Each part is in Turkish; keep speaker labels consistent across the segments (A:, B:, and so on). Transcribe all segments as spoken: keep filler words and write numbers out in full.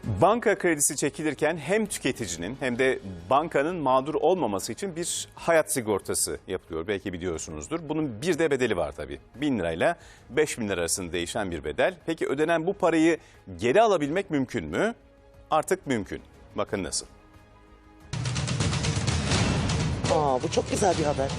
A: Banka kredisi çekilirken hem tüketicinin hem de bankanın mağdur olmaması için bir hayat sigortası yapılıyor. Belki biliyorsunuzdur. Bunun bir de bedeli var tabii. bin lirayla beş bin lira arasında değişen bir bedel. Peki ödenen bu parayı geri alabilmek mümkün mü? Artık mümkün. Bakın nasıl.
B: Aa, bu çok güzel bir haber.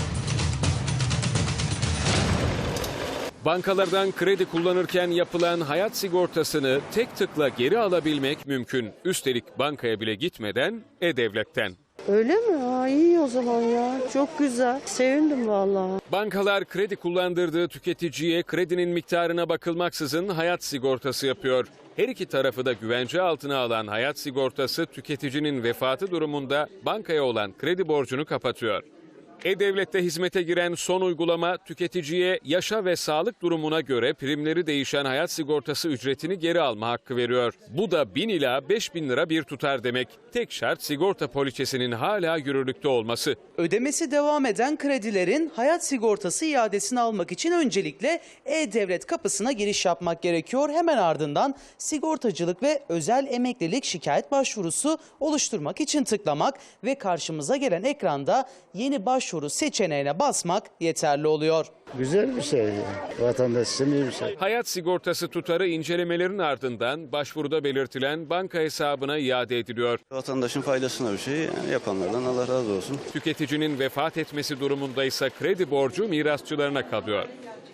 C: Bankalardan kredi kullanırken yapılan hayat sigortasını tek tıkla geri alabilmek mümkün. Üstelik bankaya bile gitmeden E-Devlet'ten.
D: Öyle mi? Aa, iyi o zaman ya. Çok güzel. Sevindim vallahi.
C: Bankalar kredi kullandırdığı tüketiciye kredinin miktarına bakılmaksızın hayat sigortası yapıyor. Her iki tarafı da güvence altına alan hayat sigortası tüketicinin vefatı durumunda bankaya olan kredi borcunu kapatıyor. E-Devlet'te hizmete giren son uygulama tüketiciye yaşa ve sağlık durumuna göre primleri değişen hayat sigortası ücretini geri alma hakkı veriyor. Bu da bin ila beş bin lira bir tutar demek. Tek şart sigorta poliçesinin hala yürürlükte olması.
B: Ödemesi devam eden kredilerin hayat sigortası iadesini almak için öncelikle E-Devlet kapısına giriş yapmak gerekiyor. Hemen ardından sigortacılık ve özel emeklilik şikayet başvurusu oluşturmak için tıklamak ve karşımıza gelen ekranda yeni başvuru seçeneğine basmak yeterli oluyor.
E: Güzel bir şey. Vatandaş için iyi bir şey.
C: Hayat sigortası tutarı incelemelerin ardından başvuruda belirtilen banka hesabına iade ediliyor.
F: Vatandaşın faydasına bir şey, yani yapanlardan Allah razı olsun.
C: Tüketicinin vefat etmesi durumunda ise kredi borcu mirasçılarına kalıyor.